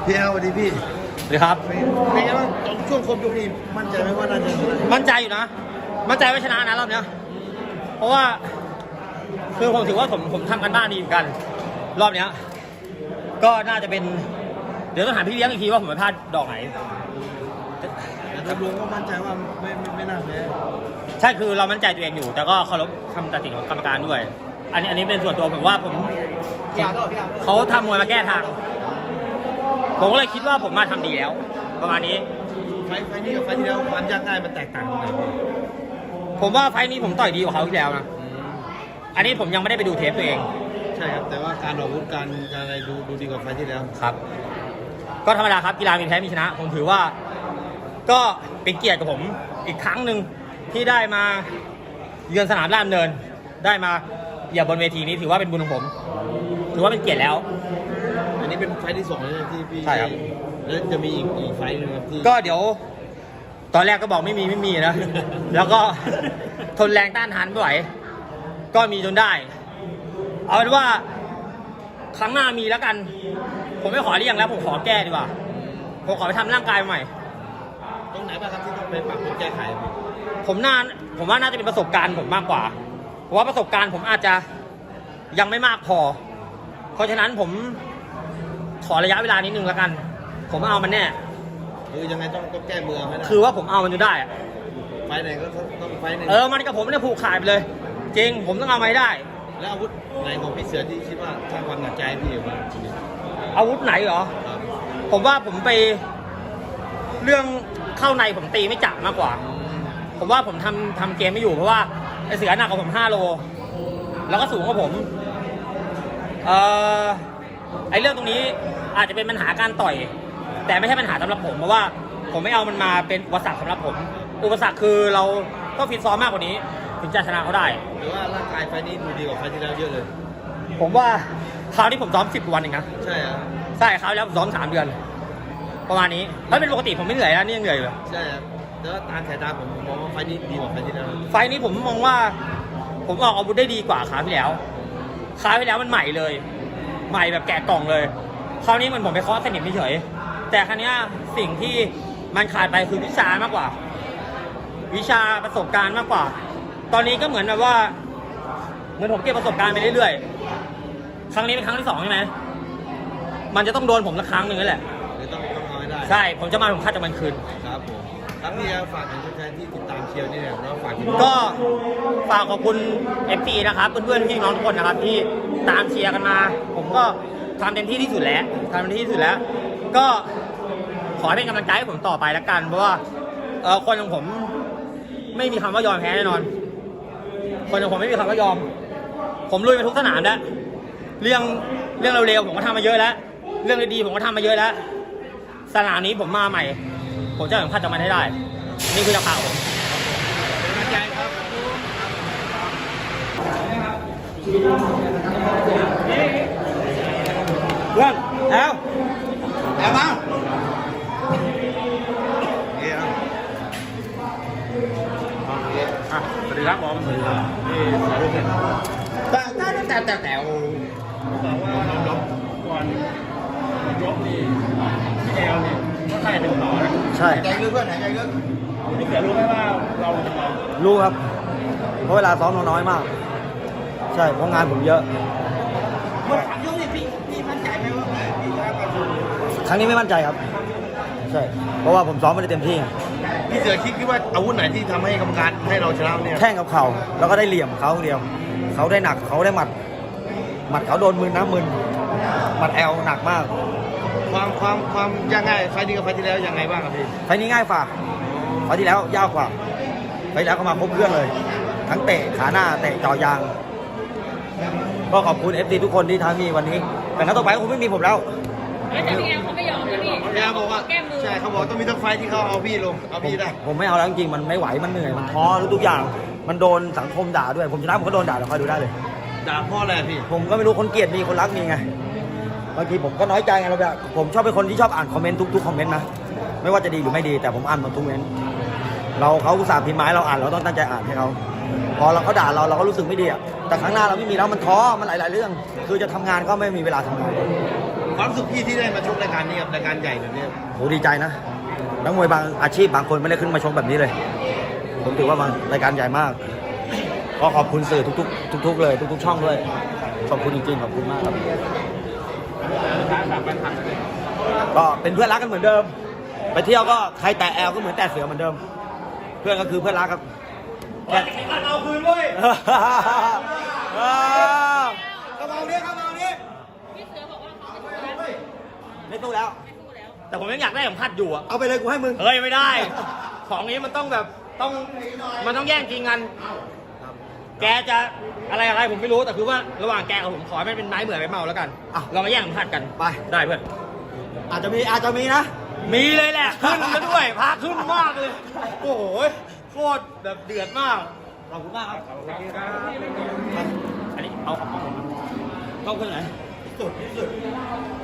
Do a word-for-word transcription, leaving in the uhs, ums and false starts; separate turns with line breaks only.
พี่แอลสวัสดีพี่
สวัสดีครับ
เป็นไงบ้างตอนช่วงครบยกนี้มั่นใจไหมว่าน่าจะ
มั่นใจอยู่นะมั่นใจว่าชนะนะรอบเนี้ยเพราะว่าคือผมถือว่าผมผมทำกันบ้านดีเหมือนกันรอบเนี้ยก็น่าจะเป็นเดี๋ยวต้องถามพี่เลี้ยงอีกทีว่าผมไปพลาดดอกไหน
แต่โดยรวมก็มั่นใจว่าไม่ไม่ไม่น่าแพ้
ใช่คือเรามั่นใจตัวเองอยู่แต่ก็เคารพคำตัดสินของกรรมการด้วยอันนี้อันนี้เป็นส่วนตัวผมว่าผมเขาทำมวยมาแก้ทางผมก็เลยคิดว่าผมมาทำดีแล้วประมาณนี้
ไฟไฟนี้กับไฟที่แล้วความยากง่ายมันแตกต่างกันไหน
ผมว่าไฟนี้ผมต่อยดีกว่าเขาที่แล้วนะอันนี้ผมยังไม่ได้ไปดูเทปตัวเอง
ใช่ครับแต่ว่าการออกอาวุธการอะไรดูดูดีกว่าไฟที่แล้ว
ครับก็ธรรมดาครับกีฬามีแพ้มีชนะผมถือว่าก็เป็นเกียรติกับผมอีกครั้งหนึ่งที่ได้มาเยือนสนามราชดำเนินได้มาเหยียบบนเวทีนี้ถือว่าเป็นบุญของผมถือว่าเป็นเกียรติแล้ว
อันนี้เป็นไฟที่สองเลยที่พี่
ใช่ครับ
แล้วจะมีอีกอีกไฟนึงครับที่
ก็เดี๋ยวตอนแรกก็บอกไม่มีไม่มีนะแล้วก็ทนแรงต้านทานไม่ไหวก็มีจนได้เอาเป็นว่าครั้งหน้ามีแล้วกันผมไม่ขอเลี่ยงแล้วผมขอแก้ดีกว่าผมขอไปทำร่างกายใหม่
ตรงไหนบ้างครับที่ต้องไปปรับปรุงแก้ไข
ผมน่าผมว่าน่าจะเป็นประสบการณ์ผมมากกว่าเพราะว่าประสบการณ์ผมอาจจะยังไม่มากพอเพราะฉะนั้นผมขอระยะเวลานิดนึงแล้วกันผมเอามันแน่
คือยังไงต้องต้องแก้มือไม่ได้
คือว่าผมเอามันจะได้อะ
ไฟไหนก็ต้องไฟไหน
เออมันกับผมไม่ได้ผูกขาดไปเลยจริงผมต้องเอาไม่ได้
แล้วอาวุธไหนของพี่เสือที่คิดว่าสร้างความหนักใจพี่อยู่บ้าง
อาวุธไหนเหรอผมว่าผมไปเรื่องเข้าในผมตีไม่จับมากกว่าผมว่าผมทำทำเกมไม่อยู่เพราะว่าไอเสือหนักกว่าผมห้าโลแล้วก็สูงกว่าผมเอ่อไอเรื่องตรงนี้อาจจะเป็นปัญหาการต่อยแต่ไม่ใช่ปัญหาสำหรับผมเพราะว่าผมไม่เอามันมาเป็นอุปสรรคสำหรับผมอุปสรรคคือเราต้องฟิตซ้อมมากกว่านี้ถึงจะชนะเขาได้
หรือว่าร่างกายไฟนี้ดูดีกว่าไฟที่แล้วเยอะเลย
ผมว่าคราวนี้ผมซ้อมสิบวันเองนะ
ใช่ครับ
ใช่คราวแล้วผมซ้อมสามเดือนประมาณนี้ถ้าเป็นปกติผมไม่เหนื่อยแล้วนี่ยังเหนื่อยอยู่
ใช่ครับแต่ว่าตามสายตาผมผมมองว่าไฟนี้ดีกว่าไฟที่แล้ว
ไฟนี้ผมมองว่าผมออกอาวุธได้ดีกว่าคราวที่แล้วคราวที่แล้วมันใหม่เลยใหม่แบบแกะกล่องเลยคราวนี้มันผมไปเคาะสนิมเฉยแต่ครั้งนี้สิ่งที่มันขาดไปคือวิชามากกว่าวิชาประสบการณ์มากกว่าตอนนี้ก็เหมือนแบบว่าเหมือนผมเก็บประสบการณ์ไปเรื่อยๆครั้งนี้เป็นครั้งที่สองใช่ไหมมันจะต้องโดนผมสักครั้งหนึ่งนั่นแหละ
ต้องต้องเอาให้ได้
ใช่ผมจะมาผมคาดจะมันคืน
ครับผมครับพี่ฝากถึงแฟนที่ติดตามเชียร์นี่แหละแล้วฝาก
ก็ฝากขอบคุณ เอฟ ซี นะครับเพื่อนๆพี่น้องทุกคนนะครับที่ตามเชียร์กันมาผมก็ทำเต็มที่ที่สุดแล้วทำเต็มที่ที่สุดแล้วก็ขอให้เป็นกำลังใจให้ผมต่อไปแล้วกันเพราะว่าเออคนของผมไม่มีคำว่ายอมแพ้แน่นอนคนของผมไม่มีคำว่ายอมผมลุยมาทุกสนามแล้วเรื่องเรื่องเร็วๆผมก็ทำมาเยอะแล้วเรื่องดีๆผมก็ทำมาเยอะแล้วสนามนี้ผมมาใหม่ผมจะสัมผัสจากมันให้ได้นี่คือราคาผม
เป็นกำลังใจครับ
เพื่อนแอลแอลมา
สวัสดีครับผม
แต่แต่แต่แต่แต่
บอกว่าเราลบก่อนยกนี่พี่แอลเนี่ยก็ใช่เป็นต่อนะ
ใช่
ใจลึกเพื่อนไหนใจลึกพี่เสือรู้ไหมว่าเราจะมา
รู้ครับเพราะเวลาซ้อมน้อยมากใช่เพราะงานผมเยอะเมื่อสามยกนี่พี่พี่มั่นใจไหมว่าพี่จะไปครั้งนี้ไม่มั่นใจครับใช่เพราะว่าผมซ้อมไม่ได้เต็มที่
พี่เสือคิดว่าอาวุธไหนที่ทำให้กรรมการให้เราชนะเนี่ย
แข้งกับเข่าแล้วก็ได้เหลี่ยมเขาเดียวเขาได้หนักเขาได้หมัดหมัดเขาโดนมือนะมือหมัดแอลหนักมาก
ความความความยังไงไฟนี้กับไฟที่แล้วยังไงบ้างครับพี่
ไฟนี้ง่ายกว่าไฟที่แล้วยากกว่าไฟแล้วก็มาครบเครื่องเลยทั้งเตะขาหน้าเตะจ่อยางก็ขอบคุณ เอฟ ซี ทุกคนที่ทำมีวันนี้แต่นัดต่อไปคงไม่มีผมแล้ว
แต่พี่แอมเขาไม่ยอมนะพี่
พี่แอมบอกว่าใช่เขาบอกต้องมีทั้งไฟที่เขาเอาพี่ลงเอาพี่ได้
ผมไม่เอาแล้วจริงๆมันไม่ไหวมันเหนื่อยมันท้อทุกอย่างมันโดนสังคมด่าด้วยผมชนะผมก็โดนด่าเดี๋ยวคอยดูได้เลย
ด่าพ่ออะไรพี่
ผมก็ไม่รู้คนเกลียดมีคนรักมีไงบางทีผมก็น้อยใจไงเราแบบผมชอบเป็นคนที่ชอบอ่านคอมเมนต์ทุกๆคอมเมนต์นะไม่ว่าจะดีหรือไม่ดีแต่ผมอ่านหมดทุกเมนต์เราเขาอุตส่าห์พิมพ์ไม้เราอ่านเราต้องตั้งใจอ่านให้เขาพอเราเขาด่าเราเราก็รู้สึกไม่ดีอ่ะแต่ครั้งหน้าเราไม่มีแล้วมันท้อมันหลายๆเรื่องคือจะทำงานก็ไม่มีเวลาทำงาน
ความรู้สึกพี่ที่ได้มาชกรายการนี้กับรายการใหญ่แบบนี้
โหดีใจนะนักมวยบางอาชีพบางคนไม่ได้ขึ้นมาชกแบบนี้เลย ผมถือว่ามันรายการใหญ่มากก็ขอบคุณสื่อทุกๆทุกๆเลยทุกๆช่องด้วยขอบคุณจริงๆขอบคุณมากครับก็เป็นเพื่อนรักกันเหมือนเดิม ไปเที่ยวก็ใครแตะแอลก็เหมือนแตะเสือเหมือนเดิม เพื่อนก็คือเพื่อนรักครับแค่
เอาคืนเว้ย
กระเป๋านี้กระเป๋านี้
พี่เสือบอกว่าเขาไม่สู้แล้ว
ไม่ตู้แล้ว
ไม่สู้แล้ว
แต่ผมยังอยากได้เข็มขัดอยู่อะ
เอาไปเลยกูให้มึง
เฮ้ยไม่ได้ ของนี้มันต้องแบบต้องมันต้องแย่งจริงกัน แกจะอะไรอะไรผมไม่รู้แต่คือว่าระหว่างแกกับผมขอให้มันเป็นไม้เหมือนไม้เมาแล้วกัน
อ่ะ
เรามาแย่งเข็มขัดกัน
ไป
ได้เพื่อน
อาจจะมีอาจจะมีนะ
มีเลยแหละขึ้นแล้วด้วยพาขึ้นมากเลย โอ้โหโคตรแบบเดือดมาก
ขอบคุณมากครับ
อันนี้เอาของผม
ต้องขึ้นไหน
สุดที่สุด